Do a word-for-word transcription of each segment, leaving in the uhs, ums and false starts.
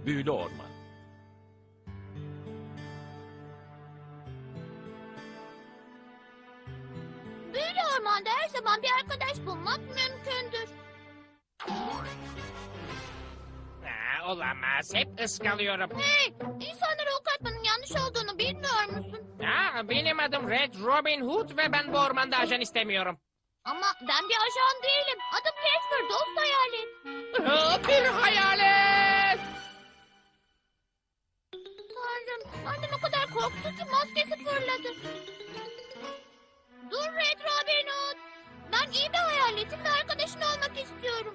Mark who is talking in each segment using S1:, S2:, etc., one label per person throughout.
S1: Büyülü orman.
S2: Büyülü ormanda her zaman bir arkadaş bulmak mümkündür.
S3: Aa, olamaz. Hep ıskalıyorum.
S2: Hey, insanlara ok atmanın yanlış olduğunu bilmiyor musun?
S3: Aa, benim adım Red Robin Hood ve ben bu ormanda ajan istemiyorum.
S2: Ama ben bir ajan değilim. Adım Casper, dost hayalet.
S3: Aa, bir hayalet.
S2: Tanrım, annem o kadar korktu ki maskesi fırladı. Dur Red Robin Hood. Ben iyi bir hayaletim ve arkadaşın olmak istiyorum.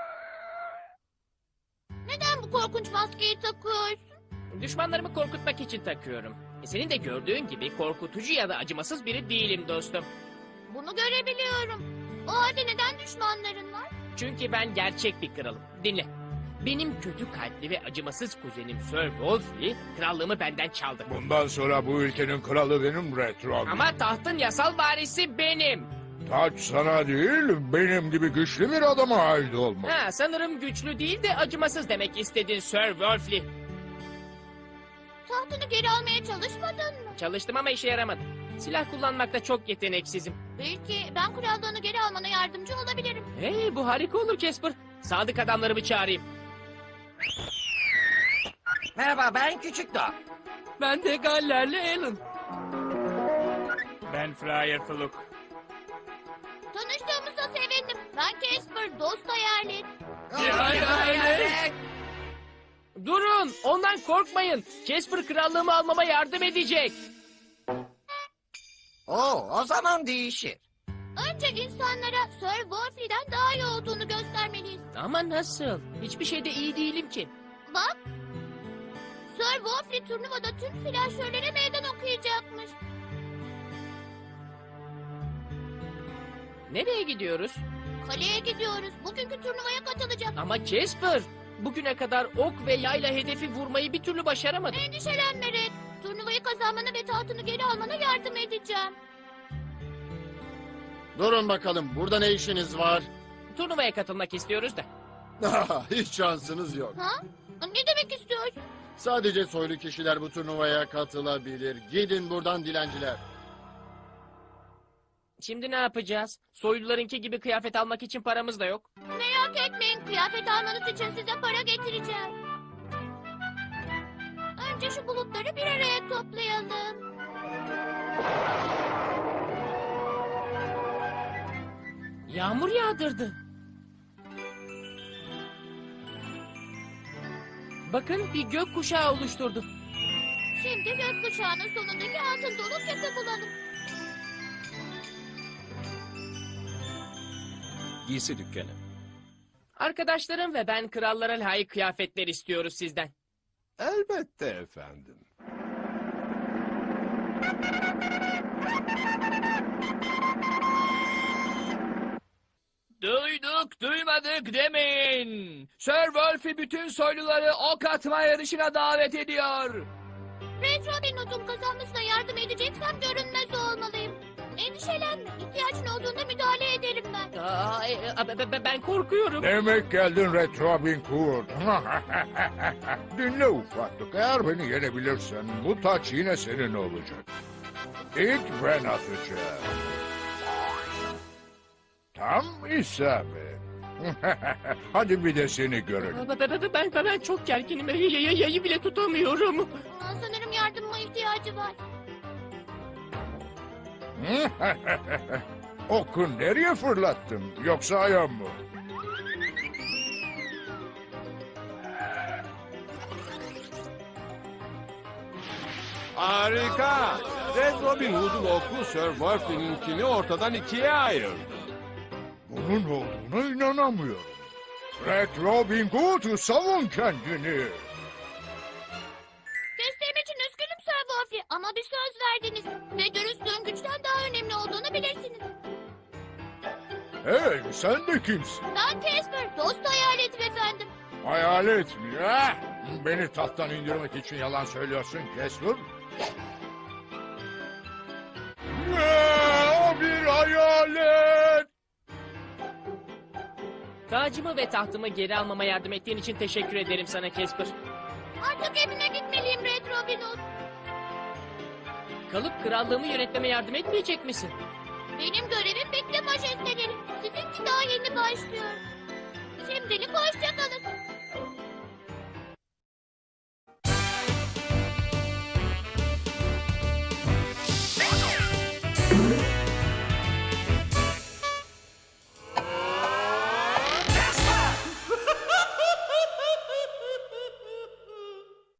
S2: Neden bu korkunç maskeyi takıyorsun?
S3: Düşmanlarımı korkutmak için takıyorum. E, senin de gördüğün gibi korkutucu ya da acımasız biri değilim dostum.
S2: Bunu görebiliyorum. O halde neden düşmanların var?
S3: Çünkü ben gerçek bir kralım. Dinle. Benim kötü kalpli ve acımasız kuzenim Sir Wolfie krallığımı benden çaldı.
S4: Bundan sonra bu ülkenin kralı benim Red Robin.
S3: Ama tahtın yasal varisi benim.
S4: Taç sana değil, benim gibi güçlü bir adama ait olmalı.
S3: Ha, sanırım güçlü değil de acımasız demek istedin Sir Wolfie.
S2: Tahtını geri almaya çalışmadın mı?
S3: Çalıştım ama işe yaramadı. Silah kullanmakta çok yeteneksizim.
S2: Belki ben krallığını geri almana yardımcı olabilirim.
S3: Hey, bu harika olur Casper. Sadık adamlarımı çağırayım.
S5: Merhaba, ben Küçük Dağ.
S1: Ben de Galler'le Alan.
S6: Ben Flyer Fluk.
S2: Tanıştığımıza sevindim. Ben Casper, dost hayalet.
S5: Hayalet.
S3: Durun, ondan korkmayın. Casper krallığımı almama yardım edecek.
S5: Oo, o zaman değişir.
S2: Önce insanlara Sir Wolfie'den daha iyi olduğunu göstermeliyiz.
S3: Ama nasıl? Hiçbir şeyde iyi değilim ki.
S2: Bak. Sir Wolfie turnuvada tüm silahşörlere meydan okuyacakmış.
S3: Nereye gidiyoruz?
S2: Kaleye gidiyoruz. Bugünkü turnuvaya katılacak.
S3: Ama Casper, bugüne kadar ok ve yayla hedefi vurmayı bir türlü başaramadım.
S2: Endişelenme Red. Turnuvayı kazanmana ve tahtını geri almana yardım edeceğim.
S7: Durun bakalım, burada ne işiniz var?
S3: Turnuvaya katılmak istiyoruz da.
S7: Hiç şansınız yok.
S2: Ha? Ne demek istiyorsun?
S7: Sadece soylu kişiler bu turnuvaya katılabilir. Gidin buradan dilenciler.
S3: Şimdi ne yapacağız? Soylularınki gibi kıyafet almak için paramız da yok.
S2: Merak etmeyin. Kıyafet almanız için size para getireceğim. Önce şu bulutları bir araya toplayalım.
S3: Yağmur yağdırdı. Bakın bir gök kuşağı oluşturdu.
S2: Şimdi gökkuşağının sonundaki altın dolu küpü bulalım.
S1: Giysi dükkanı.
S3: Arkadaşlarım ve ben krallara layık kıyafetler istiyoruz sizden.
S8: Elbette efendim.
S1: Duyduk duymadık demeyin. Sir Wolfie bütün soyluları ok atma yarışına davet ediyor.
S2: Red Robin Hood'un kazanmasına yardım edeceksem görünmez olmalıyım. Endişelenme. İhtiyacın olduğunda müdahale ederim ben.
S3: Aa, e, e, be- be- ben korkuyorum.
S4: Demek geldin Red Robin Hood. Dinle ufaklık, eğer beni yenebilirsen bu taç yine senin olacak. İlk ben atacağım. Tam isabet. Hadi bir de seni görelim.
S3: Be- be- be- Ben, ben, ben çok gerginim. Y- y- Yayı bile tutamıyorum.
S2: Aa, sanırım yardımıma ihtiyacı var.
S4: Oku nereye fırlattın? Yoksa ayağım mı?
S8: Harika. Red Robin Hood'un oku Sir Wolfie'ninkini ortadan ikiye ayırdı.
S4: Bunun olduğuna inanamıyorum. Red Robin Hood, savun kendini.
S2: Desteğim için üzgünüm Sir Wolfie ama bir söz verdiniz. Ve dürüstlüğün güçten daha önemli olduğunu bilirsiniz.
S4: Hey, sen de kimsin?
S2: Ben Casper, dost hayaletim efendim.
S4: Hayalet mi? Ha? Beni tahttan indirmek için yalan söylüyorsun Casper. Ne? O bir hayalet.
S3: Tacımı ve tahtımı geri almama yardım ettiğin için teşekkür ederim sana Casper.
S2: Artık evine gitmeliyim Red Robin Hood.
S3: Kalıp krallığımı yönetmeme yardım etmeyecek misin?
S2: Benim görevim bitti majesteleri. Sizinki daha yeni başlıyor. Şimdilik hoşça kalın.